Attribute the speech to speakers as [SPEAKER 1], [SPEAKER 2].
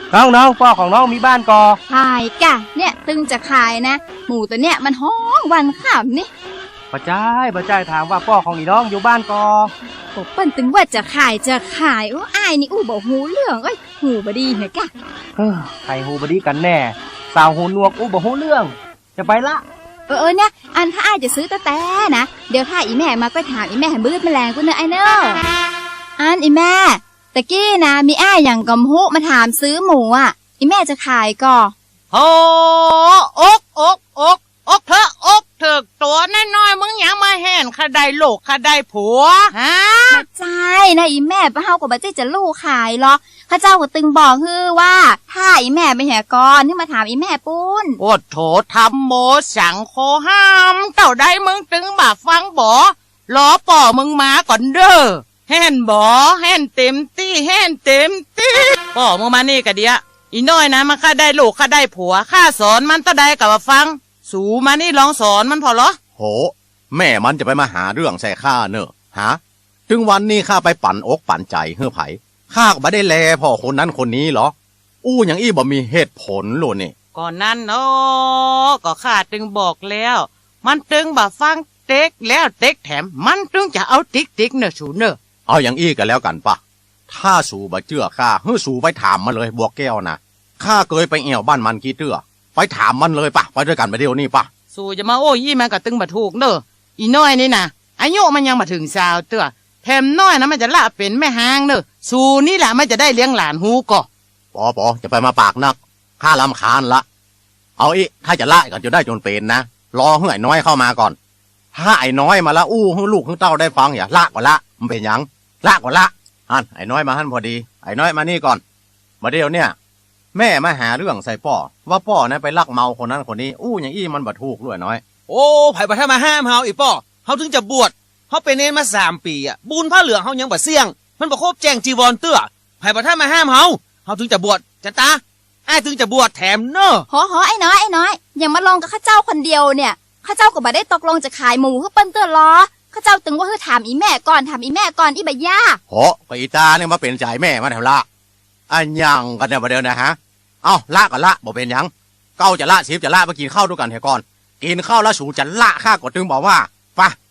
[SPEAKER 1] น้องพ่อของน้องมีบ้านกอ
[SPEAKER 2] ขายกะเนี่ยตึงจะขายนะหมูตัวเนี่ยมันห้องวันข่าวนี่
[SPEAKER 1] ป้าจ้ายถามว่าพ่อของอีน้องอยู่บ้านกอ
[SPEAKER 2] ผมเปิ้นตึงว่าจะขายโอ้อายนี่อู้บอกหูเรื่องหูบดีเหรอกะ
[SPEAKER 1] ใครหูบดีกันแน่สาวหูหนวกอู้บอกหูเรื่องจะไปละ
[SPEAKER 2] เนี่ยอันถ้าอายจะซื้อแต่นะเดี๋ยวถ้าอีแม่มาก็ถามอีแม่ให้บื้อแมลงกูเนอะไอเนอะอันอีแม่ตะกี้นะมีอ้ายอย่างกำหุมาถามซื้อหมูอีแม่จะขายก่อ
[SPEAKER 3] โอ้อกเถอะถึกตัวน้อยๆมึงยังมาแห่นข้าได้ลูกข้าได้ผัวฮะ
[SPEAKER 2] มาใจนะอีแม่ป้าเฮากับป้าเจ๊จะลูกขายหรอข้าเจ้าก็ตึงบอกคือว่าถ้าอีแม่ไปแห่ก่อนที่มาถามอีแม่ปุ้น
[SPEAKER 3] โอ้โถทำโมสังโคห้ามเต่าได้มึงตึงบ่าฟังบ่ล้อป่อมึงมาก่อนเด้อแห่นบ่แห่นเต็มตี้ป่อมึงมานี่กะเดียอีน้อยนะมันข้าได้ลูกข้าได้ผัวข้าสอนมันต่อได้กับว่าฟังสูมานี่ลองสอนมันพอเหรอ
[SPEAKER 4] โหแม่มันจะไปมาหาเรื่องใส่ข้าเนอะฮะถึงวันนี้ข้าไปปั่นอกปั่นใจเฮ้อไผข้าก็บ่ได้แลพ่อคนนั้นคนนี้เหรออย่างอี้บ่มีเหตุผลโลนี่
[SPEAKER 3] ก่อนนั้นเนาะก็ข้าตึงบอกแล้วมันตึงบ่ฟังเต็กแล้วเต็กแถมมันตึงจะเอาติ๊กเนอะสูเนอะ
[SPEAKER 4] เอาอย่างอี้กันแล้วกันปะถ้าสูบ่เชื่อข้าเฮ้อสูไปถามมาเลยบัวแก้วนะข้าเคยไปแอวบ้านมันกี่เตื้อไปถามมันเลยปะไปด้วยกันไปเดี๋ยวนี้ปะ
[SPEAKER 3] สู่จะมาโอ้ยี่มันก็ตึงบ่ถูกเนอะอีน้อยนี่นะอายุมันยังมาถึงสาวเตื้อแถมน้อยนะมันจะละเป็นแม่หางเนอะสู่นี่แหละมันจะได้เลี้ยงหลานฮูก็
[SPEAKER 4] ปอจะไปมาปากนักข้ารำคาญละเอาถ้าจะละกันจะได้จนเป็นนะรอให้ไอ้น้อยเข้ามาก่อนถ้าไอ้น้อยมาละให้ลูกให้เต้าได้ฟังอย่าละกว่าละมันเป็นยังละกว่าละไอ้น้อยมาพอดีไอ้น้อยมานี่ก่อนมาเดี๋ยวเนี่ยแม่มาหาเรื่องใส่ป่อว่าป่อนะไปลักเมาคนนั้นคนนี้อย่างอี้มันบ่ถูกด้วยน้อย
[SPEAKER 5] โอ้ไผบ่ถ้ามาห้ามเฮาอีป่อเฮาถึงจะบวชเฮาเป็นเนรมา3 ปีบุญผ้าเหลืองเฮายังบ่เสี่ยงมันบ่ครบแจ้งจีวรเตื้อไผบ่ถ้ามาห้ามเฮาถึงจะบวชจันตาอ้ายถึงจะบวชแถมเนอะ
[SPEAKER 2] หอไอ้น้อยอย่ามาลงกับข้าเจ้าคนเดียวเนี่ยข้าเจ้าก็บ่ได้ตกลงจะขายหมูเพื่อเปิ้นเตื้อล้อข้าเจ้าตึงว่าถามอีแม่ก่อนอีบ่ย่า
[SPEAKER 4] ไปอีตาเนี่ยมาเป็นใจแม่มาแถวละอันยังกันเนี่ยประเดี๋ยวนะฮะเอาละกันละบอกเป็นยังเก้าจะละชิบจะละมากินข้าวด้วยกันเถอะก่อนกินข้าวแล้วสูจะละข้ากดตึงบอกว่าปะ